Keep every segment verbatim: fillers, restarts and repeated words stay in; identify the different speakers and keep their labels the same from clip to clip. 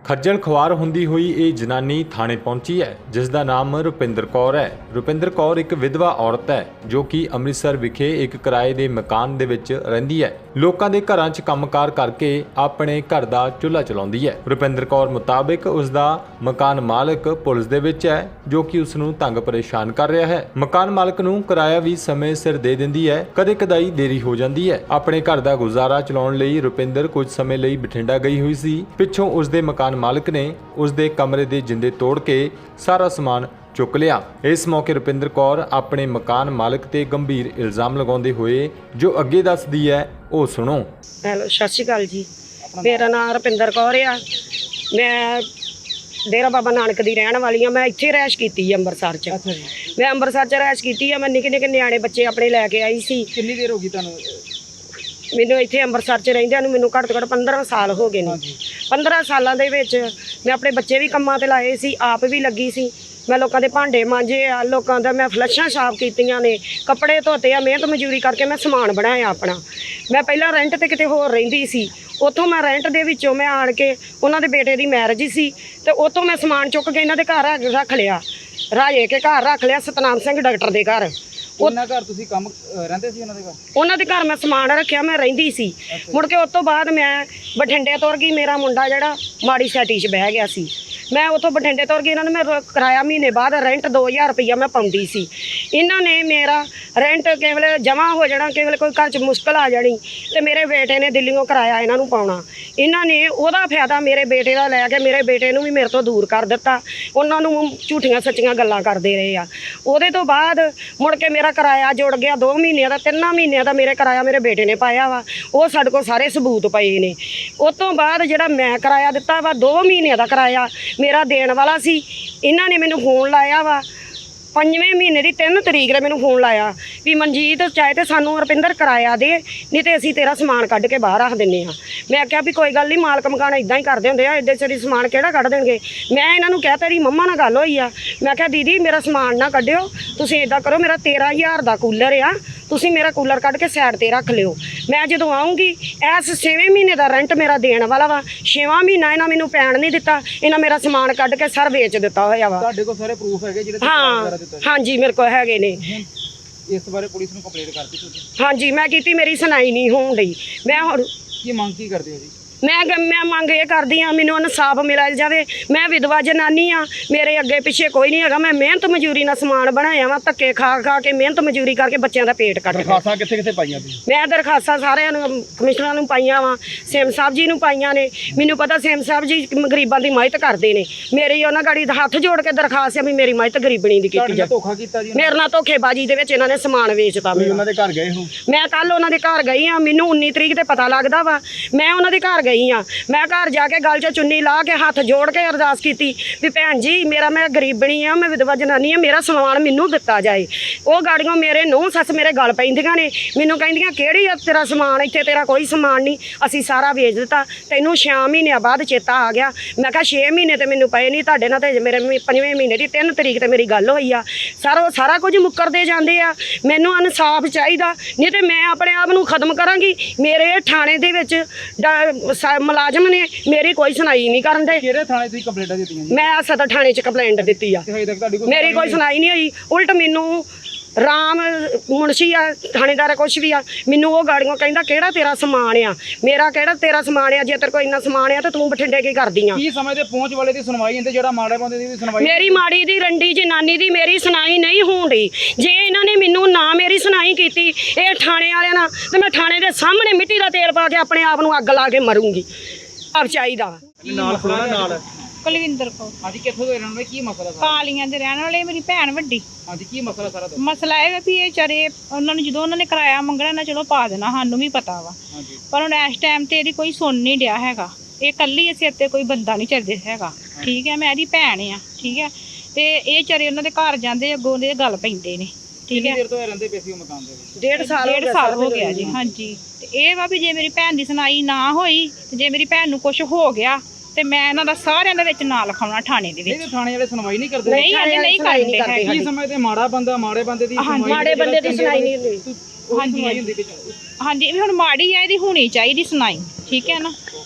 Speaker 1: खज्जल खुआर हुंदी हुई ये जनानी थाने पहुंची है, जिसका नाम रुपिंदर कौर है। रुपिंदर कौर एक विधवा औरत है जो कि अमृतसर विखे एक किराए के मकान दे विच रहिंदी है। लोकां दे घरां च कंमकार करके अपने घर दा चुल्हा चलाउंदी है। रुपिंदर कौर मुताबिक उसका मकान मालिक पुलिस दे विच है जो कि उसनूं तंग परेशान कर रहा है। मकान मालिक नूं किराया भी समय सिर दे दिंदी है, कदे कदाई देरी हो जाती है। अपने घर दा गुजारा चलाउण लई रुपिंदर कुछ समय लई बठिंडा गई हुई सी। पिछों उसदे मकान मालिक ने उसदे कमरे दे जिंदे तोड़ के सारा समान चुक लिया। इस मौके रुपिंदर कौर अपने मकान मालिक ते गंभीर इल्जाम लगाउंदे होए जो अगे दसदी है वो सुनो।
Speaker 2: हेलो, सत श्री अकाल जी। मेरा नाम रुपिंदर कौर आ। मैं डेरा बाबा नानक दी रहण वाली हाँ। मैं इत्थे रैश कीती है अंमृतसर च।
Speaker 3: अच्छा जी।
Speaker 2: मैं अंमृतसर च रैश कीती है। मैं निक्के निक्के न्याणे बच्चे अपने लैके आई सी।
Speaker 3: कितनी देर होगी तुहानू?
Speaker 2: ਮੈਨੂੰ ਇੱਥੇ ਅੰਮ੍ਰਿਤਸਰ 'ਚ ਰਹਿੰਦਿਆਂ ਨੂੰ ਮੈਨੂੰ ਘੱਟ ਤੋਂ ਘੱਟ ਪੰਦਰਾਂ ਸਾਲ ਹੋ ਗਏ ਨੇ। ਪੰਦਰਾਂ ਸਾਲਾਂ ਦੇ ਵਿੱਚ ਮੈਂ ਆਪਣੇ ਬੱਚੇ ਵੀ ਕੰਮਾਂ ਤੇ ਲਾਏ ਸੀ, ਆਪ ਵੀ ਲੱਗੀ ਸੀ। ਮੈਂ ਲੋਕਾਂ ਦੇ ਭਾਂਡੇ ਮਾਂਜੇ ਆ, ਲੋਕਾਂ ਦਾ ਮੈਂ ਫਲਸ਼ਾਂ ਸਾਫ਼ ਕੀਤੀਆਂ ਨੇ, ਕੱਪੜੇ ਧੋਤੇ ਆ, ਮਿਹਨਤ ਮਜ਼ਦੂਰੀ ਕਰਕੇ ਮੈਂ ਸਮਾਨ ਬਣਾਇਆ ਆਪਣਾ। ਮੈਂ ਪਹਿਲਾਂ ਰੈਂਟ ਤੇ ਕਿਤੇ ਹੋਰ ਰਹਿੰਦੀ ਸੀ, ਉੱਥੋਂ ਮੈਂ ਰੈਂਟ ਦੇ ਵਿੱਚੋਂ ਮੈਂ ਆਣ ਕੇ ਉਹਨਾਂ ਦੇ ਬੇਟੇ ਦੀ ਮੈਰਿਜ ਸੀ ਤੇ ਉੱਥੋਂ ਮੈਂ ਸਮਾਨ ਚੁੱਕ ਕੇ ਇਹਨਾਂ ਦੇ ਘਰ ਰੱਖ ਲਿਆ, ਰਾਜੇ ਕੇ ਘਰ ਰੱਖ ਲਿਆ, ਸਤਨਾਮ ਸਿੰਘ ਡਾਕਟਰ ਦੇ ਘਰ।
Speaker 3: ਉਹਨਾਂ ਘਰ ਤੁਸੀਂ ਕੰਮ ਰਹਿੰਦੇ ਸੀ? ਉਹਨਾਂ ਦੇ ਘਰ
Speaker 2: ਉਹਨਾਂ ਦੇ ਘਰ ਮੈਂ ਸਮਾਨ ਰੱਖਿਆ, ਮੈਂ ਰਹਿੰਦੀ ਸੀ। ਮੁੜ ਕੇ ਉਸ ਤੋਂ ਬਾਅਦ ਮੈਂ ਬਠਿੰਡੇ ਤੁਰ ਗਈ। ਮੇਰਾ ਮੁੰਡਾ ਜਿਹੜਾ ਮਾੜੀ ਸੈਟੀ 'ਚ ਬਹਿ ਗਿਆ ਸੀ, ਮੈਂ ਉੱਥੋਂ ਬਠਿੰਡੇ ਤੁਰ ਗਈ। ਇਹਨਾਂ ਨੇ ਮੈਂ ਕਿਰਾਇਆ ਮਹੀਨੇ ਬਾਅਦ ਰੈਂਟ ਦੋ ਹਜ਼ਾਰ ਰੁਪਈਆ ਮੈਂ ਪਾਉਂਦੀ ਸੀ। ਇਹਨਾਂ ਨੇ ਮੇਰਾ ਰੈਂਟ ਕਿਸੇ ਵੇਲੇ ਜਮ੍ਹਾਂ ਹੋ ਜਾਣਾ, ਕਿਸੇ ਵੇਲੇ ਕੋਈ ਘਰ 'ਚ ਮੁਸ਼ਕਲ ਆ ਜਾਣੀ ਤੇ ਮੇਰੇ ਬੇਟੇ ਨੇ ਦਿੱਲੀੋਂ ਕਿਰਾਇਆ ਇਹਨਾਂ ਨੂੰ ਪਾਉਣਾ। ਇਹਨਾਂ ਨੇ ਉਹਦਾ ਫਾਇਦਾ ਮੇਰੇ ਬੇਟੇ ਦਾ ਲੈ ਕੇ ਮੇਰੇ ਬੇਟੇ ਨੂੰ ਵੀ ਮੇਰੇ ਤੋਂ ਦੂਰ ਕਰ ਦਿੱਤਾ। ਉਹਨਾਂ ਨੂੰ ਝੂਠੀਆਂ ਸੱਚੀਆਂ ਗੱਲਾਂ ਕਰਦੇ ਰਹੇ ਆ। ਉਹਦੇ ਤੋਂ ਬਾਅਦ ਮੁੜ ਕੇ ਮੇਰਾ ਕਿਰਾਇਆ ਜੁੜ ਗਿਆ ਦੋ ਮਹੀਨਿਆਂ ਦਾ, ਤਿੰਨਾਂ ਮਹੀਨਿਆਂ ਦਾ ਮੇਰੇ ਕਿਰਾਇਆ ਮੇਰੇ ਬੇਟੇ ਨੇ ਪਾਇਆ ਵਾ। ਉਹ ਸਾਡੇ ਕੋਲ ਸਾਰੇ ਸਬੂਤ ਪਏ ਨੇ। ਉਸ ਤੋਂ ਬਾਅਦ ਜਿਹੜਾ ਮੈਂ ਕਿਰਾਇਆ ਦਿੱਤਾ ਵਾ ਦੋ ਮਹੀਨਿਆਂ ਦਾ ਕਿਰਾਇਆ ਮੇਰਾ ਦੇਣ ਵਾਲਾ ਸੀ। ਇਹਨਾਂ ਨੇ ਮੈਨੂੰ ਫੋਨ ਲਾਇਆ ਵਾ ਪੰਜਵੇਂ ਮਹੀਨੇ ਦੀ ਤਿੰਨ ਤਰੀਕ ਦੇ ਮੈਨੂੰ ਫੋਨ ਲਾਇਆ ਵੀ ਮਨਜੀਤ ਚਾਹੇ ਤੇ ਸਾਨੂੰ ਰੁਪਿੰਦਰ ਕਿਰਾਇਆ ਦੇ, ਨਹੀਂ ਤੇ ਅਸੀਂ ਤੇਰਾ ਸਮਾਨ ਕੱਢ ਕੇ ਬਾਹਰ ਰੱਖ ਦਿੰਦੇ ਹਾਂ। ਮੈਂ ਆਖਿਆ ਵੀ ਕੋਈ ਗੱਲ ਨਹੀਂ, ਮਾਲਕ ਮਕਾਨ ਇਦਾਂ ਹੀ ਕਰਦੇ ਹੁੰਦੇ ਆ, ਐਡੇ ਸਾਰੀ ਸਮਾਨ ਕਿਹੜਾ ਕੱਢ ਦੇਣਗੇ। ਮੈਂ ਇਹਨਾਂ ਨੂੰ ਕਿਹਾ ਤੇਰੀ ਮੰਮਾ ਨਾਲ ਗੱਲ ਹੋਈ ਆ। ਮੈਂ ਕਿਹਾ ਦੀਦੀ ਮੇਰਾ ਸਮਾਨ ਨਾ ਕੱਢਿਓ, ਤੁਸੀਂ ਇੱਦਾਂ ਕਰੋ, ਮੇਰਾ ਤੇਰਾਂ ਹਜ਼ਾਰ ਦਾ ਕੂਲਰ ਆ, ਤੁਸੀਂ ਮੇਰਾ ਕੂਲਰ ਕੱਢ ਕੇ ਸਾਈਡ ਤੇ ਰੱਖ ਲਿਓ। ਮੈਂ ਜਦੋਂ ਆਉਂਗੀ ਇਸ ਛੇਵੇਂ ਮਹੀਨੇ ਦਾ ਰੈਂਟ ਮੇਰਾ ਦੇਣ ਵਾਲਾ ਵਾ, ਛੇਵਾਂ ਮਹੀਨਾ ਇਹਨਾਂ ਮੈਨੂੰ ਪੈਣ ਨਹੀਂ ਦਿੱਤਾ। ਇਹਨਾਂ ਮੇਰਾ ਸਮਾਨ ਕੱਢ ਕੇ ਸਰ ਵੇਚ ਦਿੱਤਾ ਹੋਇਆ ਵਾ।
Speaker 3: ਤੁਹਾਡੇ ਕੋਲ ਸਾਰੇ ਪ੍ਰੂਫ ਹੈਗੇ ਜਿਹੜੇ?
Speaker 2: ਹਾਂ ਹਾਂਜੀ, ਮੇਰੇ ਕੋਲ ਹੈਗੇ ਨੇ।
Speaker 3: ਇਸ ਬਾਰੇ ਪੁਲਿਸ ਨੂੰ ਕੰਪਲੇਂਟ ਕਰਤੀ ਤੁਸੀਂ?
Speaker 2: ਹਾਂਜੀ ਮੈਂ ਕੀਤੀ, ਮੇਰੀ ਸੁਣਾਈ ਨਹੀਂ ਹੋਣ ਡਈ। ਮੈਂ ਹੁਣ
Speaker 3: ਕੀ ਮੰਗ ਕੀ ਕਰਦੇ ਹੋ ਜੀ?
Speaker 2: ਮੈਂ ਮੈਂ ਮੰਗ ਇਹ ਕਰਦੀ ਹਾਂ ਮੈਨੂੰ ਇਨਸਾਫ ਮਿਲਿਆ ਜਾਵੇ। ਮੈਂ ਵਿਧਵਾ ਜਨਾਨੀ ਆ, ਮੇਰੇ ਅੱਗੇ ਪਿੱਛੇ ਕੋਈ ਨਹੀਂ ਹੈਗਾ। ਮੈਂ ਮਿਹਨਤ ਮਜ਼ਦੂਰੀ ਨਾਲ ਸਮਾਨ ਬਣਾਇਆ ਵਾ, ਧੱਕੇ ਖਾ ਖਾ ਕੇ ਮਿਹਨਤ ਮਜ਼ਦੂਰੀ ਕਰਕੇ ਬੱਚਿਆਂ ਦਾ ਪੇਟ ਕੱਟ।
Speaker 3: ਦਰਖਾਸਤਾਂ ਕਿੱਥੇ ਕਿੱਥੇ ਪਾਈਆਂ ਤੁਸੀਂ?
Speaker 2: ਮੈਂ ਦਰਖਾਸਤਾਂ ਸਾਰਿਆਂ ਨੂੰ ਕਮਿਸ਼ਨਰਾਂ ਨੂੰ ਪਾਈਆਂ ਵਾ, ਸੇਮ ਸਾਹਿਬ ਜੀ ਨੂੰ ਪਾਈਆਂ ਨੇ। ਮੈਨੂੰ ਪਤਾ ਸੇਮ ਸਾਹਿਬ ਜੀ ਗਰੀਬਾਂ ਦੀ ਮਦਦ ਕਰਦੇ ਨੇ। ਮੇਰੀ ਉਹਨਾਂ ਗਾੜੀ ਹੱਥ ਜੋੜ ਕੇ ਦਰਖਾਸਤ ਆ ਵੀ ਮੇਰੀ ਮਦਦ ਗਰੀਬਣੀ ਦੀ ਕੀਤੀ ਜਾਵੇ।
Speaker 3: ਧੋਖਾ ਕੀਤਾ ਜੀ
Speaker 2: ਮੇਰੇ ਨਾਲ ਧੋਖੇਬਾਜ਼ੀ ਦੇ ਵਿੱਚ ਇਹਨਾਂ ਨੇ ਸਮਾਨ ਵੇਚਤਾ।
Speaker 3: ਤੁਸੀਂ ਉਹਨਾਂ ਦੇ ਘਰ ਗਏ ਹੋ?
Speaker 2: ਮੈਂ ਕੱਲ ਉਹਨਾਂ ਦੇ ਘਰ ਗਈ ਆ, ਮੈਨੂੰ ਉੱਨੀ ਤਰੀਕ ਤੇ ਪਤਾ ਲੱਗਦਾ ਵਾ। ਮੈਂ ਉਹਨਾਂ ਦੇ ਘਰ ਗਈ ਆ, ਮੈਂ ਘਰ ਜਾ ਕੇ ਗਲ 'ਚ ਚੁੰਨੀ ਲਾ ਕੇ ਹੱਥ ਜੋੜ ਕੇ ਅਰਦਾਸ ਕੀਤੀ ਵੀ ਭੈਣ ਜੀ ਮੇਰਾ ਮੈਂ ਗਰੀਬਣੀ ਆ, ਮੈਂ ਵਿਧਵਾ ਜਨਾਨੀ ਆ, ਮੇਰਾ ਸਮਾਨ ਮੈਨੂੰ ਦਿੱਤਾ ਜਾਏ। ਉਹ ਗਾੜੀਆਂ ਮੇਰੇ ਨੂੰਹ ਸੱਸ ਮੇਰੇ ਗਲ ਪੈਂਦੀਆਂ ਨੇ, ਮੈਨੂੰ ਕਹਿੰਦੀਆਂ ਕਿਹੜੀ ਆ ਤੇਰਾ ਸਮਾਨ, ਇੱਥੇ ਤੇਰਾ ਕੋਈ ਸਮਾਨ ਨਹੀਂ, ਅਸੀਂ ਸਾਰਾ ਵੇਚ ਦਿੱਤਾ, ਤੈਨੂੰ ਛੇ ਮਹੀਨਿਆਂ ਬਾਅਦ ਚੇਤਾ ਆ ਗਿਆ। ਮੈਂ ਕਿਹਾ ਛੇ ਮਹੀਨੇ ਤੇ ਮੈਨੂੰ ਪਏ ਨਹੀਂ, ਤੁਹਾਡੇ ਨਾਲ ਤੇ ਮੇਰੇ ਪੰਜਵੇਂ ਮਹੀਨੇ ਦੀ ਤਿੰਨ ਤਰੀਕ ਤੇ ਮੇਰੀ ਗੱਲ ਹੋਈ ਆ। ਸਰ ਉਹ ਸਾਰਾ ਕੁਝ ਮੁੱਕਰਦੇ ਜਾਂਦੇ ਆ। ਮੈਨੂੰ ਇਨਸਾਫ ਚਾਹੀਦਾ, ਨਹੀਂ ਤੇ ਮੈਂ ਆਪਣੇ ਆਪ ਨੂੰ ਖਤਮ ਕਰਾਂਗੀ। ਮੇਰੇ ਥਾਣੇ ਦੇ ਵਿੱਚ ਮੁਲਾਜ਼ਮ ਨੇ ਮੇਰੀ ਕੋਈ ਸੁਣਾਈ ਨਹੀਂ ਕਰਨ ਦੇ।
Speaker 3: ਕਿਹੜੇ ਥਾਣੇ ਤੁਸੀਂ ਕੰਪਲੇਂਟਾਂ ਦਿੱਤੀਆਂ ਜੀ? ਮੈਂ
Speaker 2: ਸਦਰ ਥਾਣੇ 'ਚ ਕੰਪਲੇਂਟ ਦਿੱਤੀ ਆ, ਮੇਰੀ ਕੋਈ ਸੁਣਾਈ ਨਹੀਂ ਹੋਈ। ਉਲਟ ਮੈਨੂੰ ਰਾਮ ਮੁਨਸ਼ੀ ਆ ਥਾਣੇਦਾਰ ਕੁਛ ਵੀ ਆ, ਮੈਨੂੰ ਉਹ ਗਾੜੀਆਂ ਕਹਿੰਦਾ ਕਿਹੜਾ ਤੇਰਾ ਸਮਾਨ ਆ, ਮੇਰਾ ਕਿਹੜਾ ਤੇਰਾ ਸਮਾਨ ਆ, ਜੇ ਤੇਰੇ ਕੋਲ ਇੰਨਾ ਸਮਾਨ ਆ ਤਾਂ ਤੂੰ ਬਠਿੰਡੇ ਕੀ ਕਰਦੀ ਆ।
Speaker 3: ਕੀ ਸਮੇਂ ਤੇ ਪਹੁੰਚ ਵਾਲੇ ਦੀ ਸੁਣਵਾਈ ਹੁੰਦੀ, ਜਿਹੜਾ ਮਾੜੇ ਬੰਦੇ ਦੀ ਵੀ ਸੁਣਵਾਈ?
Speaker 2: ਮੇਰੀ ਮਾੜੀ ਦੀ ਰੰਡੀ ਜਨਾਨੀ ਦੀ ਮੇਰੀ ਸੁਣਾਈ ਨਹੀਂ ਹੋਣ ਡਈ। ਜੇ ਇਹਨਾਂ ਨੇ ਮੈਨੂੰ ਨਾ ਮੇਰੀ ਸੁਣਾਈ ਕੀਤੀ ਇਹ ਥਾਣੇ ਵਾਲਿਆਂ ਨਾਲ, ਤੇ ਮੈਂ ਥਾਣੇ ਦੇ ਸਾਹਮਣੇ ਮਿੱਟੀ ਦਾ ਤੇਲ ਪਾ ਕੇ ਆਪਣੇ ਆਪ ਨੂੰ ਅੱਗ ਲਾ ਕੇ ਮਰੂੰਗੀ। ਆਪ ਚਾਹੀਦਾ
Speaker 3: ਨਾਲ ਖਲੋਣਾ ਨਾਲ।
Speaker 4: ਕੁਲਵਿੰਦਰ ਕੌਰ।
Speaker 3: ਹਾਂਜੀ, ਕਿੱਥੋਂ ਦੇ ਰਹਿਣ ਵਾਲੇ? ਕੀ ਮਸਲਾ ਸਾਰਾ?
Speaker 4: ਕਾਲੀਆਂ ਦੇ ਰਹਿਣ ਵਾਲੇ, ਮੇਰੀ ਭੈਣ ਵੱਡੀ।
Speaker 3: ਹਾਂਜੀ, ਕੀ ਮਸਲਾ ਸਾਰਾ?
Speaker 4: ਮਸਲਾ ਇਹ ਵੀ ਇਹ ਚਾਰੇ ਉਹਨਾਂ ਨੂੰ ਜਦੋਂ ਉਹਨਾਂ ਨੇ ਕਿਰਾਇਆ ਮੰਗਣਾ ਨਾ ਚਲੋ ਪਾ ਦੇਣਾ, ਸਾਨੂੰ ਵੀ ਪਤਾ ਵਾ। ਪਰ ਹੁਣ ਇਸ ਟਾਈਮ ਤੇ ਇਹਦੀ ਕੋਈ ਸੁਣ ਨਹੀਂ ਡਿਆ ਹੈਗਾ। ਇਹ ਕੱਲੀ ਅਸੀਂ ਇੱਥੇ ਕੋਈ ਬੰਦਾ ਨਹੀਂ ਚੱਲਦੇ ਹੈਗਾ, ਠੀਕ ਹੈ। ਮੈਂ ਇਹਦੀ ਭੈਣ ਆ, ਠੀਕ ਹੈ। ਤੇ ਇਹ ਚਾਰੇ ਉਹਨਾਂ ਦੇ ਘਰ ਜਾਂਦੇ, ਅੱਗੋਂ ਦੇ ਗੱਲ ਪੈਂਦੇ ਨੇ, ਠੀਕ ਹੈ।
Speaker 3: ਦੇਰ ਤੋਂ ਰਹਿੰਦੇ ਪਏ ਸੀ ਉਹ ਮਕਾਨ ਦੇ ਵਿੱਚ?
Speaker 2: ਡੇਢ ਸਾਲ
Speaker 4: ਡੇਢ ਸਾਲ ਹੋ ਗਿਆ ਜੀ। ਹਾਂਜੀ, ਤੇ ਇਹ ਵਾ ਵੀ ਜੇ ਮੇਰੀ ਭੈਣ ਦੀ ਸੁਣਾਈ ਨਾ ਹੋਈ ਤੇ ਜੇ ਮੇਰੀ ਭੈਣ ਨੂੰ ਕੁਝ ਹੋ ਗਿਆ ਤੇ ਮੈਂ ਇਹਨਾਂ ਦਾ ਸਾਰਿਆਂ ਦੇ ਵਿੱਚ ਨਾਂ ਲਿਖਾਉਣਾ ਥਾਣੇ ਦੇ ਵਿੱਚ।
Speaker 3: ਨਹੀਂ, ਥਾਣੇ ਵਾਲੇ ਸੁਣਵਾਈ ਨਹੀਂ ਕਰਦੇ?
Speaker 4: ਨਹੀਂ ਹਲੇ ਨਹੀਂ ਕਰਦੇ ਹੈਗੇ।
Speaker 3: ਕੀ ਸਮੇਂ ਤੇ ਮਾੜਾ ਬੰਦਾ ਮਾੜੇ ਬੰਦੇ ਦੀ ਸੁਣਵਾਈ?
Speaker 2: ਮਾੜੇ ਬੰਦੇ ਦੀ ਸੁਣਾਈ ਨਹੀਂ ਹੁੰਦੀ।
Speaker 4: ਹਾਂਜੀ ਹਾਂਜੀ, ਵੀ ਹੁਣ ਮਾੜੀ ਆ, ਇਹਦੀ ਹੋਣੀ ਚਾਹੀਦੀ ਸੁਣਾਈ, ਠੀਕ ਹੈ ਨਾ।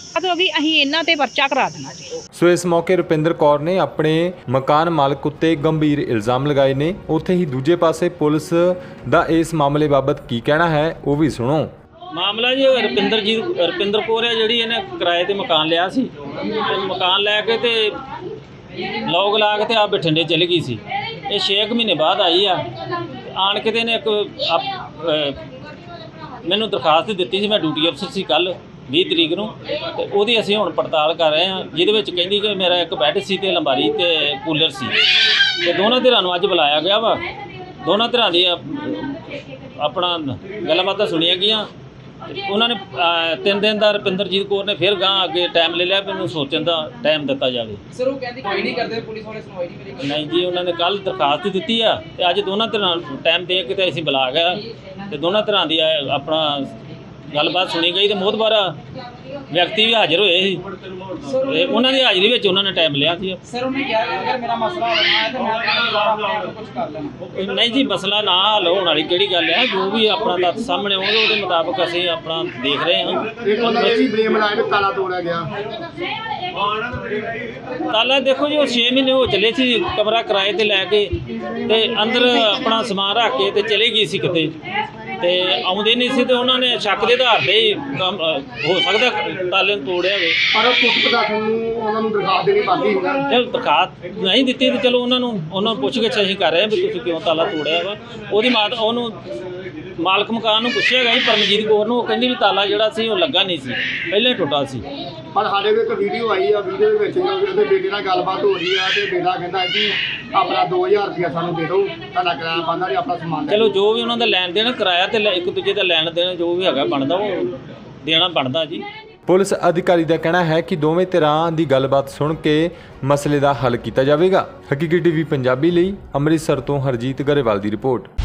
Speaker 4: ਹੋ ਗਈ ਅਸੀਂ ਇਹਨਾਂ ਤੇ ਪਰਚਾ ਕਰਾ ਦੇਣਾ ਜੀ।
Speaker 1: ਸੋ ਇਸ ਮੌਕੇ ਰੁਪਿੰਦਰ ਕੌਰ ਨੇ ਆਪਣੇ ਮਕਾਨ ਮਾਲਕ ਉੱਤੇ ਗੰਭੀਰ ਇਲਜ਼ਾਮ ਲਗਾਏ ਨੇ। ਉੱਥੇ ਹੀ ਦੂਜੇ ਪਾਸੇ ਪੁਲਿਸ ਦਾ ਇਸ ਮਾਮਲੇ ਬਾਬਤ ਕੀ ਕਹਿਣਾ ਹੈ ਉਹ ਵੀ ਸੁਣੋ।
Speaker 5: ਮਾਮਲਾ ਜੀ ਰੁਪਿੰਦਰ ਜੀ ਰੁਪਿੰਦਰ ਕੌਰ ਹੈ ਜਿਹੜੀ ਇਹਨੇ ਕਿਰਾਏ ਤੇ ਮਕਾਨ ਲਿਆ ਸੀ ਤੇ ਮਕਾਨ ਲੈ ਕੇ ਤੇ ਲੋਕ ਲਾ ਕੇ ਤੇ ਆ ਬਠਿੰਡੇ ਚਲੀ ਗਈ ਸੀ। ਇਹ ਛੇ ਕੁ ਮਹੀਨੇ ਬਾਅਦ ਆਈ ਆ ਆਣ ਕੇ ਤੇ ਇਹਨੇ ਇੱਕ ਆਪ- ਅਹ ਮੈਨੂੰ ਦਰਖਾਸਤ ਦਿੱਤੀ ਸੀ। ਮੈਂ ਡਿਊਟੀ ਅਫਸਰ ਸੀ ਕੱਲ ਵੀਹ ਤਰੀਕ ਨੂੰ ਤੇ ਉਹਦੀ ਅਸੀਂ ਹੁਣ ਪੜਤਾਲ ਕਰ ਰਹੇ ਹਾਂ, ਜਿਹਦੇ ਵਿੱਚ ਕਹਿੰਦੀ ਕਿ ਮੇਰਾ ਇੱਕ ਬੈੱਡ ਸੀ ਤੇ ਅਲਮਾਰੀ ਤੇ ਕੂਲਰ ਸੀ ਤੇ ਦੋਨਾਂ ਧਿਰਾਂ ਨੂੰ ਅੱਜ ਬੁਲਾਇਆ ਗਿਆ ਵਾ। ਦੋਨਾਂ ਧਿਰਾਂ ਦੀ ਆਪਣਾ ਗੱਲਬਾਤਾਂ ਸੁਣੀਆਂ ਗਈਆਂ। ਉਹਨਾਂ ਨੇ ਅਹ, ਤਿੰਨ ਦਿਨ ਦਾ ਰੁਪਿੰਦਰਜੀਤ ਕੌਰ ਨੇ ਫਿਰ ਗਾਂ ਅੱਗੇ ਟਾਈਮ ਲੈ ਲਿਆ, ਮੈਨੂੰ ਸੋਚਣ ਦਾ ਟਾਈਮ ਦਿੱਤਾ ਜਾਵੇ।
Speaker 3: ਸਰ ਉਹ ਕਹਿੰਦੀ ਕੋਈ ਨਹੀਂ ਕਰਦੇ, ਪੁਲਿਸ ਵਾਲੇ ਸੁਣਵਾਈ ਨਹੀਂ ਮੇਰੀ
Speaker 5: ਨਹੀਂ ਜੀ, ਉਹਨਾਂ ਨੇ ਕੱਲ ਦਰਖਾਸਤ ਦਿੱਤੀ ਆ ਤੇ ਅੱਜ ਦੋਨਾਂ ਧਿਰਾਂ ਟਾਈਮ ਦੇ ਕੇ ਤੇ ਅਸੀਂ ਬੁਲਾ ਗਿਆ ਤੇ ਦੋਨਾਂ ਧਿਰਾਂ ਦੀ ਆ- ਆਪਣਾ ਗੱਲਬਾਤ ਸੁਣੀ ਗਈ ਤੇ ਮੋਹਤਬਾਰ ਵਿਅਕਤੀ ਵੀ ਹਾਜ਼ਰ ਹੋਏ ਸੀ ਤੇ ਉਹਨਾਂ ਦੀ ਹਾਜ਼ਰੀ ਵਿੱਚ ਉਹਨਾਂ ਨੇ ਟਾਈਮ ਲਿਆ ਸੀ।
Speaker 3: ਸਰ ਉਹਨੇ ਕਿਹਾ ਕਿ ਅਗਰ ਮੇਰਾ ਮਸਲਾ ਹੋਣਾ ਹੈ ਤਾਂ ਮੈਂ ਆਪਣੇ ਆਪ ਨੂੰ ਕੁਝ ਕਰ ਲੈਣਾ।
Speaker 5: ਨਹੀਂ ਜੀ, ਮਸਲਾ ਨਾ ਹੱਲ ਹੋਣ ਵਾਲੀ ਕਿਹੜੀ ਗੱਲ ਹੈ, ਜੋ ਵੀ ਆਪਣਾ ਤੱਥ ਸਾਹਮਣੇ ਆਉਣਗੇ ਉਹਦੇ ਮੁਤਾਬਕ ਅਸੀਂ ਆਪਣਾ ਦੇਖ ਰਹੇ ਹਾਂ।
Speaker 6: ਇੱਕ ਉਹਨਾਂ ਨੇ ਵੀ ਬਲੇਮ ਲਾਇਆ ਕਿ ਤਾਲਾ ਤੋੜਿਆ ਗਿਆ।
Speaker 5: ਤਾਲਾ ਦੇਖੋ ਜੀ, ਉਹ ਛੇ ਮਹੀਨੇ ਹੋ ਚਲੇ ਸੀ ਕਮਰਾ ਕਿਰਾਏ ਤੇ ਲੈ ਕੇ ਤੇ ਅੰਦਰ ਆਪਣਾ ਸਮਾਨ ਰੱਖ ਕੇ ਤੇ ਚਲੇ ਗਈ ਸੀ ਕਿਤੇ ਤੇ ਆਉਂਦੇ ਨਹੀਂ ਸੀ ਤੇ ਉਹਨਾਂ ਨੇ ਸ਼ੱਕ ਦੇ ਆਧਾਰ ਤੇ ਹੀ ਕੰਮ, ਅ, ਹੋ ਸਕਦਾ ਤਾਲੇ ਨੂੰ ਤੋੜਿਆ ਹੋਵੇ।
Speaker 6: ਪਰ ਉਹ ਪੁਲਿਸ ਪ੍ਰਸ਼ਾਸਨ ਨੂੰ ਉਹਨਾਂ ਨੂੰ ਦਰਖਾਸਤ ਦੇਣੀ ਬਾਕੀ ਹੁੰਦਾ।
Speaker 5: ਚਲ ਦਰਖਾਸਤ ਨਹੀਂ ਦਿੱਤੀ ਤੇ ਚਲੋ ਉਹਨਾਂ ਨੂੰ ਉਹਨਾਂ ਨੂੰ ਪੁੱਛ ਗਿੱਛ ਅਸੀਂ ਕਰ ਰਹੇ ਹਾਂ ਵੀ ਤੁਸੀਂ ਕਿਉਂ ਤਾਲਾ ਤੋੜਿਆ ਵਾ। ਉਹਦੀ ਮਾਤ ਉਹਨੂੰ ਮਾਲਕ ਮਕਾਨ ਨੂੰ ਪੁੱਛਿਆ ਗਿਆ ਸੀ ਪਰਮਜੀਤ ਕੌਰ ਨੂੰ, ਉਹ ਕਹਿੰਦੀ ਵੀ ਤਾਲਾ ਜਿਹੜਾ ਸੀ ਉਹ ਲੱਗਾ ਨਹੀਂ ਸੀ, ਪਹਿਲਾਂ ਹੀ ਟੁੱਟਾ ਸੀ।
Speaker 6: ਪਰ ਸਾਡੇ ਕੋਲ ਇੱਕ ਵੀਡੀਓ ਆਈ ਆ, ਵੀਡੀਓ ਦੇ ਵਿੱਚ ਉਹਦੇ ਬੇਟੇ ਨਾਲ ਗੱਲਬਾਤ ਹੋ ਰਹੀ ਆ ਤੇ ਬੇਟਾ ਕਹਿੰਦਾ ਕਿ ਆਪਣਾ ਦੋ ਹਜ਼ਾਰ ਰੁਪਇਆ ਸਾਨੂੰ ਦੇ ਦਿਓ, ਤੁਹਾਡਾ ਕਿਰਾਇਆ ਬੰਦਾ ਤੇ ਆਪਣਾ ਸਮਾਨ ਲੈ
Speaker 5: ਚਲੋ ਜੋ ਵੀ ਉਹਨਾਂ ਦਾ ਲੈਣ ਦੇਣ ਕਿਰਾਇਆ ਤੇ ਲੈ- ਇੱਕ ਦੂਜੇ ਦਾ ਲੈਣ ਦੇਣ ਜੋ ਵੀ ਹੈਗਾ ਬਣਦਾ ਉਹ ਦੇਣਾ ਬਣਦਾ ਜੀ।
Speaker 1: ਪੁਲਿਸ ਅਧਿਕਾਰੀ ਦਾ ਕਹਿਣਾ ਹੈ ਕਿ ਦੋਵੇਂ ਧਿਰਾਂ ਦੀ ਗੱਲਬਾਤ ਸੁਣ ਕੇ ਮਸਲੇ ਦਾ ਹੱਲ ਕੀਤਾ ਜਾਵੇਗਾ। ਹਕੀਕੀ ਟੀਵੀ ਪੰਜਾਬੀ ਲਈ ਅੰਮ੍ਰਿਤਸਰ ਤੋਂ ਹਰਜੀਤ ਗਰੇਵਾਲ ਦੀ ਰਿਪੋਰਟ।